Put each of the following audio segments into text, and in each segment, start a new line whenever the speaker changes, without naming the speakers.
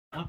จ้ะ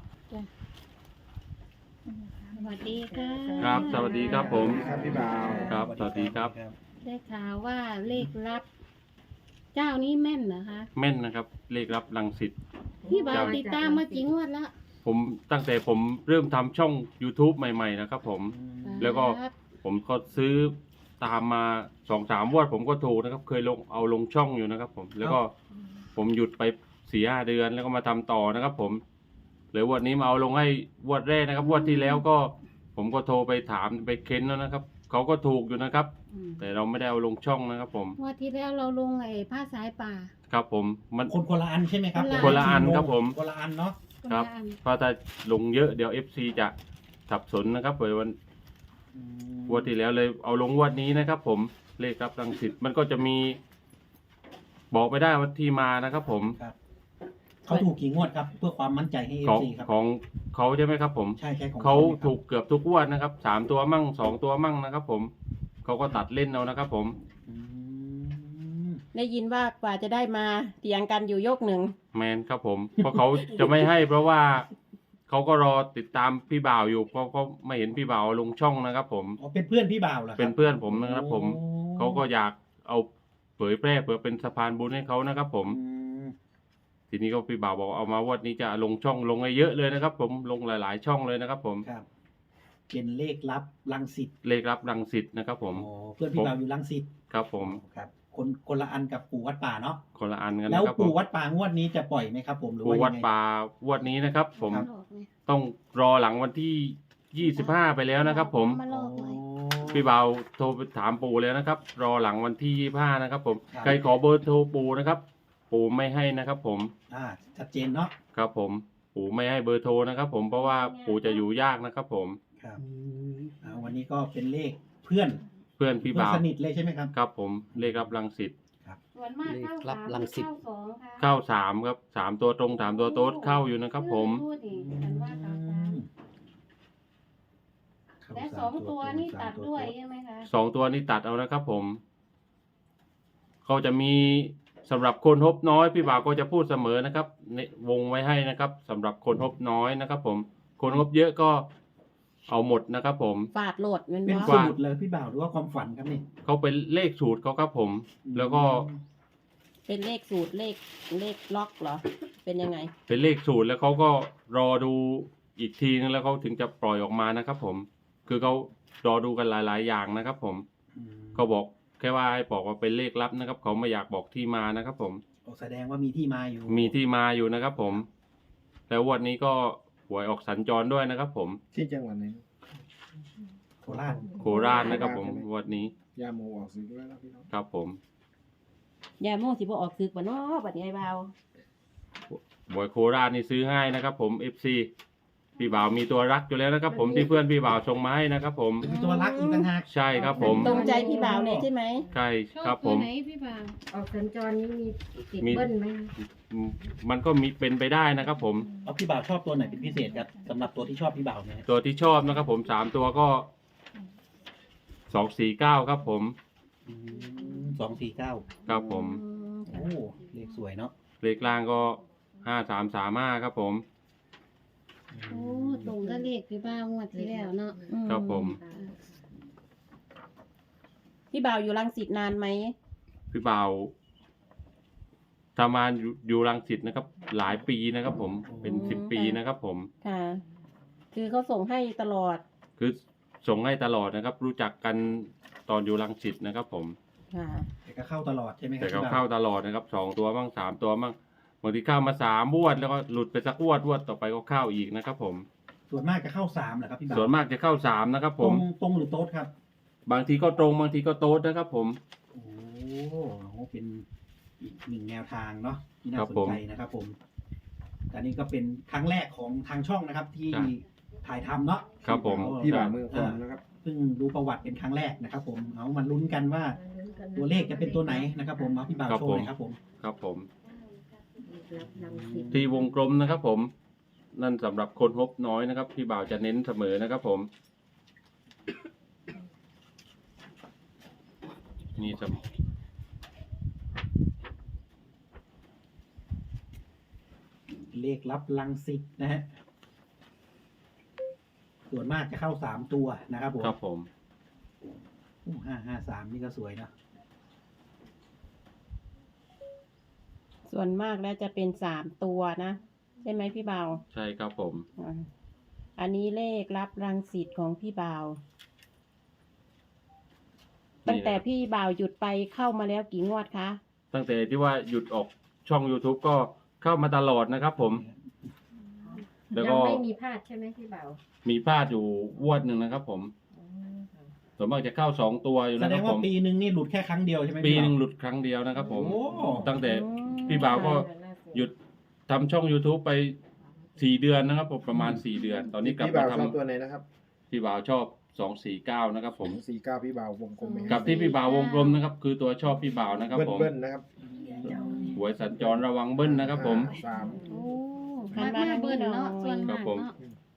สวัสดีค่ะ
ครับ สวัสดีครับผม
ครับพี่บ่าว
ครับ สวัสดีครับ
ได้ข่าวว่าเลขลับ เจ้านี้แม่นเหรอคะ
แม่นนะครับ เลขรับรังสิต
พี่บ่าวติดตามมากี่งวดแล้ว
ผมตั้งแต่ผมเริ่มทำช่อง YouTube ใหม่ๆนะครับผม แล้วก็
ครับ
ผมก็ซื้อตามมา2-3 งวดผมก็ถูกนะครับ เคยลงช่องอยู่นะครับผม แล้วก็ผมหยุดไป4-5 เดือนแล้วก็มาทำต่อนะครับผมเหลือวันนี้มาเอาลงให้งวดแรกนะครับงวดที่แล้วก็ผมก็โทรไปถามไปเค้นแล้วนะครับเขาก็ถูกอยู่นะครับ แต่เราไม่ได้เอาลงช่องนะครับผม
งวดที่แล้วเราลงไอ้ผ้าสายป่า
ครับผมมัน
คนละอันใช่ไหมครับ
คนละอันครับผม
คนละอันเนาะ
ครับ
นละอัน
เพราะถ้าลงเยอะเดี๋ยว FC จะสับสนนะครับเปิดวันงวดที่แล้วเลยเอาลงงวดนี้นะครับ ผมเลขรับรังสิตมันก็จะมี บอกไม่ได้ว่าที่มานะครับ ผม
ครับเขาถูกกี่งวดครับ เพื่อความมั่นใจให้เอ
ของ
ซีครับ
ของเขาใช่ไหมครับผม
ใช่ของ
เขา
นี่ยครับ
ถูกเกือบทุกงวดนะครับ3 ตัวมั่ง2 ตัวมั่งนะครับ ผมเขาก็ตัดเล่นเอานะครับ ผม
อืม
ได้ยินว่ากว่าจะได้มาเถียงกันอยู่ยกหนึ่ง
แมนครับผม เพราะเขาจะไม่ให้ เพราะว่าเขาก็รอติดตามพี่บ่าวอยู่เพราะเขาไม่เห็นพี่บ่าวลงช่องนะครับ ผม
อ๋อเป็นเพื่อนพี่บ่าวเหรอครับ
เป็นเพื่อนผมนะครับ ผม
โอ้
เขาก็อยากเอาเผยแพร่เพื่อเป็นสะพานบุญให้เขานะครับ ผม
อืม
ทีนี้ก็พี่บ่าวบอกเอามาวันนี้จะลงช่องลงให้เยอะเลยนะครับ ผมลงหลายๆช่องเลยนะครับ ผม
ครับเป็นเลขลับรังสิต
เลขรับรังสิตนะครับ ผม
อ๋อเพื่อนพี่บ่าวอยู่รังสิต
ครับผม
ครับคนละอันกับปู่วัดป่าเนาะ
คนละอันกัน
แล้ว
นะครับผม
ปู่วัดป่างวดนี้จะปล่อยไหมครับ ผมหรือ
ปู
ว่า
วัด
ยังไง
ป่างวดนี้นะครับ ผม
มาหลอกไง
ต้องรอหลังวันที่25ไปแล้วนะครับ ผม
มาหล
อ๋อ
อกเลย
พี่บ่าวโทรไปถามปู่แล้วนะครับ รอหลังวันที่25นะครับ ผม
ครับ
ใครขอเบอร์โทรปู่นะครับ ปู่ไม่ให้นะครับ ผม
ชัดเจนเนาะ
ครับผมปู่ไม่ให้เบอร์โทรนะครับ ผมเพราะว่าปู่จะอยู่ยากนะครับ ผม
ครับวันนี้ก็เป็นเลขเพื่อน
เพื่อนพี่
เพื่อน
บ่าว
สนิทเลยใช่ไหมครับ
ครับผมเลขรับรังสิต
ส่วนมากเข้า
รับ
สาม
รังสิต
เข้าสองค่ะ
เข้า3ครับ3 ตัวตรง3 ตัวโต๊ดเข้าอยู่นะครับ ผม
พูดดิฉันว่าเข้าสามและ2 ตัวนี่ตัดด้วยใช่ไหมคะ
2 ตัวนี้ตัดเอานะครับ ผมเขาจะมีสำหรับคนฮบน้อยพี่บ่าวก็จะพูดเสมอนะครับวงไว้ให้นะครับสำหรับคนฮบน้อยนะครับ ผมคนฮบเยอะก็เอาหมดนะครับ ผม
ฟาดโหลดเงิน
เป็น
บ่
สูตรเลยพี่บ่าวหรือว่าความฝันครับนี่
เขาเป็นเลขสูตรเขาครับผม แล้วก็
เป็นเลขสูตรเลขล็อกเหรอ เป็นยังไง
เป็นเลขสูตรแล้วเขาก็รอดูอีกทีนึงแล้วเขาถึงจะปล่อยออกมานะครับ ผม คือเขารอดูกันหลาย ๆ อย่างนะครับ ผม เขาบอกแค่ว่าให้บอกว่าเป็นเลขลับนะครับ เขาไม่อยากบอกที่มานะครับ ผม
แสดงว่ามีที่มาอยู่
มีที่มาอยู่นะครับ ผม แล้ววันนี้ก็หวยออกสัญจรด้วยนะครับ ผม
ที่จังหวัดไหน
โคราช
โคราชนะครับ ผมวันนี้
ยาโมออกสื่อด้วยนะพี่น้อง
ครับ ผม
ยาโม่สิบ่ออกซึกบ่เนาะบัดนี้ไอ้บ่าว
หวยโคราชนี่ซื้อให้นะครับ ผม FC พี่บ่าวมีตัวรักอยู่แล้วนะครับ ผมที่เพื่อนพี่บ่าวส่งมาให้นะครับ ผม
มีตัวรักอีกต่างหาก
ใช่ครับ ผม
ตรงใจพี่บ่าวเลยใช่ไหม
ใช่
ชอ
ครับ บ
ตั
ผ
ว
ม
ไหนพี่บ่าว
ออกสัญจรนี่มีติด
มี
เบิ้ลไหม
มันก็มีเป็นไปได้นะครับ ผม
แล้วพี่บ่าวชอบตัวไหนเป็นพิเศษครับสำหรับตัวที่ชอบพี่บ่าวเนี่ย
ตัวที่ชอบนะครับ ผม3 ตัวก็249ครับ ผม
249
ครับผม
โอ้เลขสวยเนาะ
เลขล่างก็5335ครับ ผม
โอ้ตรงกับเลขพี่บ่าวงวดที่แล้วเนาะ
ครับผม
พี่บ่าวอยู่รังสิตนานไหม
พี่บ่าวทำงานอยู่รังสิตนะครับ หลายปีนะครับ ผมเป็น10 ปีนะครับ ผม
ค่ะ คือเขาส่งให้ตลอด
คือส่งให้ตลอดนะครับ รู้จักกันตอนอยู่รังสิตนะครับ ผม
ค่ะ
แต่ก็เข้าตลอดใช่ไหมครั
แต่
บ
เขา
พี่บ่า
เข้าว ตลอดนะครับ2 ตัวบ้าง3 ตัวบ้างบางทีเข้ามา3 งวดแล้วก็หลุดไปสักงวดต่อไปก็เข้าอีกนะครับ ผม
ส่วนมากจะเข้า3เหรอครับพี่บ่าว
ส่วนมากจะเข้า3นะครับ ผม
ตรงหรือโต๊ดครับ
บางทีก็ตรงบางทีก็โต๊ดนะครับ ผม
โอ้โหเป็นอีกหนึ่งแนวทางเนาะที่น่า
ครับ
สน
ผม
ใจนะครับ ผมแต่นี่ก็เป็นครั้งแรกของทางช่องนะครับ ที่
ใช่
ถ่ายทำเนาะ
ครับผม
พี่บ่าวเมืองคอนนะครับ
เพิ่งดูประวัติเป็นครั้งแรกนะครับ ผมเอามาลุ้นกันว่าตัวเลขจะเป็นตัวไหนนะครับ ผมเอาพี่บ่าว
ครับ
โชว์หน่อยครับผม
ครับผม
รับรังสิต
ที่วงกลมนะครับ ผม นั่นสำหรับคนฮบน้อยนะครับพี่บ่าวจะเน้นเสมอนะครับ ผม นี่ส
เลขลับลังสิตนะฮะส่วนมากจะเข้าสามตัวนะครับผม
ครับผม
553นี่ก็สวยนะ
ส่วนมากแล้วจะเป็น3 ตัวนะใช่ไหมพี่บ่าว
ใช่ครับผม
อ่าอันนี้เลขรับรังสิตของพี่บ่าว ตั้งแต่พี่บ่าวหยุดไปเข้ามาแล้วกี่งวดคะ
ตั้งแต่ที่ว่าหยุดออกช่อง YouTube ก็เข้ามาตลอดนะครับผม แล้ว
ยั
ก็
งไม่มีพลาดใช่ไหมพี่เบา
มีพลาดอยู่งวดหนึ่งนะครับผม ส่วนมากจะเข้า2 ตัวอยู่
แส
นะ
ด
ครั
ง
บ
ว่า
ผม
ปีหนึ่งนี่หลุดแค่ครั้งเดียวใช่ไหม
ปีหนึ่ง
พี่
หลุดครั้งเดียวนะครับผม
โอ้
ตั้งแต่
อืม
พี่บ่าวก็หยุดทำช่อง YouTube ไป4 เดือนนะครับผมประมาณ4 เดือน ตอนนี้กลับ
พี่
มา
บ่าว
ท
ชอบตัวไหนนะครับ
ำพี่บ่าวชอบ249นะครับผม
49พี่บ่าววงกลมไหม
กับที่พี่บ่าววงกลมนะครับ คือตัวชอบพี่บ่าวนะครับผม
เบิ้ลๆนะครับ
หวยสัญจรระวังเบิ้ลนะครับผม
3
โอ้
มากมาเบิ้ลเนาะส่วน
ครั
มา
บ
ก
ผม
เนาะ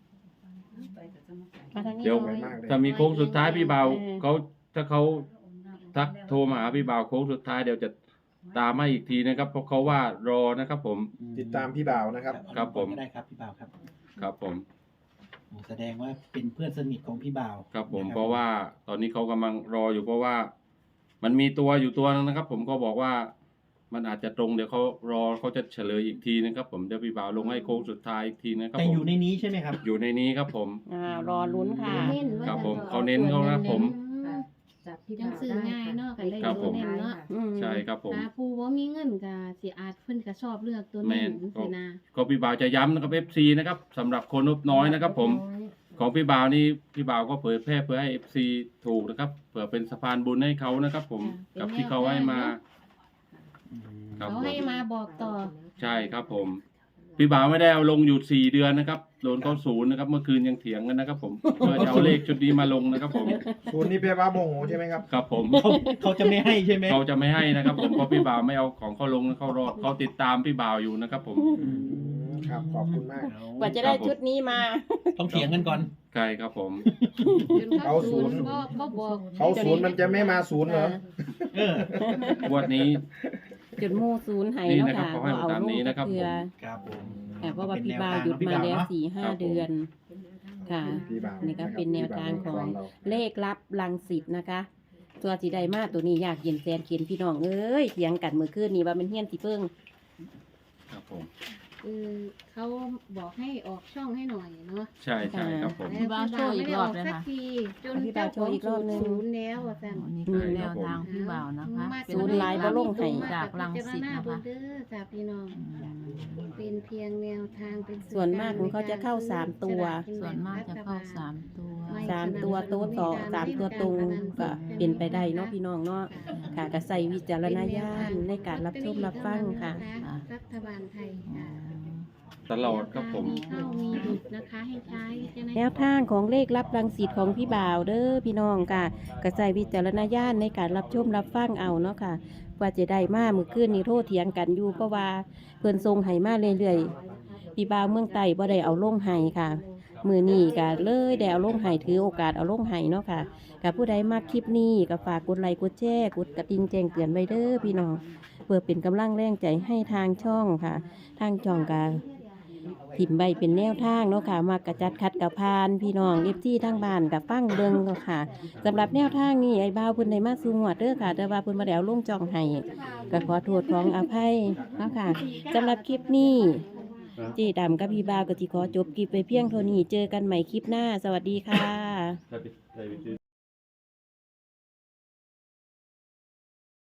มาทางนี้
เดี๋ยว
หน่อย
มากเลย
ถ้ามีโค้งสุดท้ายพี่บ่าว
เออ
เขาถ้าเขาทักโทรมาหาพี่บ่าวโค้งสุดท้ายเดี๋ยวจะตามมาอีกทีนะครับ เพราะเขาว่ารอนะครับผม
ติดตามพี่บ่าวนะครับ
ครับผม
ก็ได้ครับพี่บ่าวครับ
ครับผม
แสดงว่าเป็นเพื่อนสนิทของพี่บ่าว
ครับผม
น
เพราะว่าตอนนี้เขากำลังรออยู่เพราะว่า มันมีตัวอยู่ตัวนึงนะครับ ผมก็บอกว่า มันอาจจะตรงเดี๋ยวเขารอเขาจะเฉลยอีกทีนะครับ ผมเดี๋ยวพี่บ่าวลงให้โค้งสุดท้ายอีกทีนะครับ
แต่
ผม
อยู่ในนี้ใช่ไหมครับ
อยู่ในนี้ครับผม
รอลุ้นค่ะ
เน้นว่า
ครับผม
จะ
เขาเน้นเขานะผม
จับพี่
จั
บ่าง ว
ซื้อ
ได้
ง่ายเนาะกันเลย
ครับผม
เน้นเนาะ
อืม
ใช่ครับผม
ถ้าผู้บ่มีเงินก็สิอาจเพิ่นก็ชอบเลือกตัว
แม่
เน้น
น
สินะ
ก็พี่บ่าวจะย้ำนะครับ FC นะครับสำหรับคนงบน้อยนะครับ ผมของพี่บ่าวนี่พี่บ่าวก็เผยแพร่เพื่อให้ FC ถูกนะครับเผื่อเป็นสะพานบุญให้เขานะครับ ผมกับที่เขาให้มา ครับ
เขาให้มาบอกต่อ
ใช่ครับผม พี่บ่าวไม่ได้เอาลงอยู่4 เดือนนะครับโดนเขา0นะครับ เมื่อคืนยังเถียงกันนะครับ ผมเพื่อจะเอาเลขชุดนี้มาลงนะครับ ผม
ศูนย์นี่แปลว่าโมโหใช่ไหมครับ
ครับผม
เขาจะไม่ให้ใช่ไหม
เขาจะไม่ให้นะครับ ผมเพราะพี่บ่าวไม่เอาของเขาลงเขารอเขาติดตามพี่บ่าวอยู่นะครับ ผม
ครับขอบคุณมาก
กว่าจะได้ชุดนี้มา
ต้องเถียงกันก่อน
ใช่ครับผม
จนเขา
เอาศู
ศู
น
น
ย์
ย์ก็บอก
เขาศูนย์มันจะไม่มาศูนย์เหรอ
เออ
งวดนี้
จุดหมู่ศูนย์ให้
นี่
เนาะ
นะครับ
ค่ะ
เขาให้
เอา
ตาม
ลง
นี้นะครับ
เพื่อ
ครับผม
ค่ะเพราะว่าพี่บ่าวหยุดมาแล้ว4-5 เดือน ค่ะ
พี่บ่าว
นี่ก็เป็นแนวทางของ
เรา
เลขลับรังสิตนะคะ ตัวสีใดมาตัวนี้อยากเย็นแสนเขียนพี่น้องเอ้ยเถียงกันเมื่อคืนนี้ว่ามันเฮี้ยนสิเพิ่ง
ครับผม
คือเขาบอกให้ออกช่องให้หน่อยเนาะ
ใช่ใช่ครับผม
แล้วพี่บ่าวไม่ได้ออกสักทีจนเจ้าของศูนย์แล้วว่าซั่น
นี่คือแนวทางพี่บ่าวนะคะ
ศูนย์หลายบ่ลงให้
จากรังสิตนะคะ
เด้อจ้าพี่น้อง เป็นเพียงแนวทางเป็น
ส่วนมากของเขาจะเข้า3 ตัว
ส่วนมากจะเข้า3 ตัว
3 ตัวโต๊ะต่อ3 ตัวตรงก็เป็นไปได้เนาะพี่น้องเนาะค่ะก็ใส่วิจารณญาณในการรับชมรับฟังค่ะ
รัฐบาลไทยค่ะ
ตลอดครับผม
มีเข้ามีหยุดนะคะให้ใช้วิจารณญาณ
แนวทางของเลขรับรังสิตของพี่บ่าวเด้อพี่น้องค่ะก็ใส่วิจารณญาณในการรับชมรับฟังเอาเนาะค่ะว่าจะได้มามื้อคืนนี้โทษเถียงกันอยู่เพราะว่าเพิ่นทรงให้มาเรื่อยๆพี่บ่าวเมืองใต้บ่ได้เอาลงให้ค่ะมื้อนี้ก็เลยได้เอาลงให้ถือโอกาสเอาลงให้เนาะค่ะกับผู้ใดมักคลิปนี้ก็ฝากกดไลค์กดแชร์กดกระดิ่งแจ้งเตือนไว้เด้อพี่น้องเพื่อเป็นกำลังแรงใจให้ทางช่องค่ะ ทางช่องก็ถิ่มใบเป็นแนวทางเนาะค่ะมากระจัดคัดกับพานพี่น้องเอฟที่ทางบ้านกับฟังเบิ่งเนาะค่ะสำหรับแนวทางนี้ไอ้บ่าวเพิ่นได้มาสู่งวดเด้อค่ะแต่ว่าเพิ่นบ่ได้เอาลงจองให้ก็ขอโทษขออภัยเนาะค่ะสำหรับคลิปนี้เจ๊ดำกับพี่บ่าวก็สิขอจบคลิปไปเพียงเท่านี้เจอกันใหม่คลิปหน้าสวัสดีค่ะ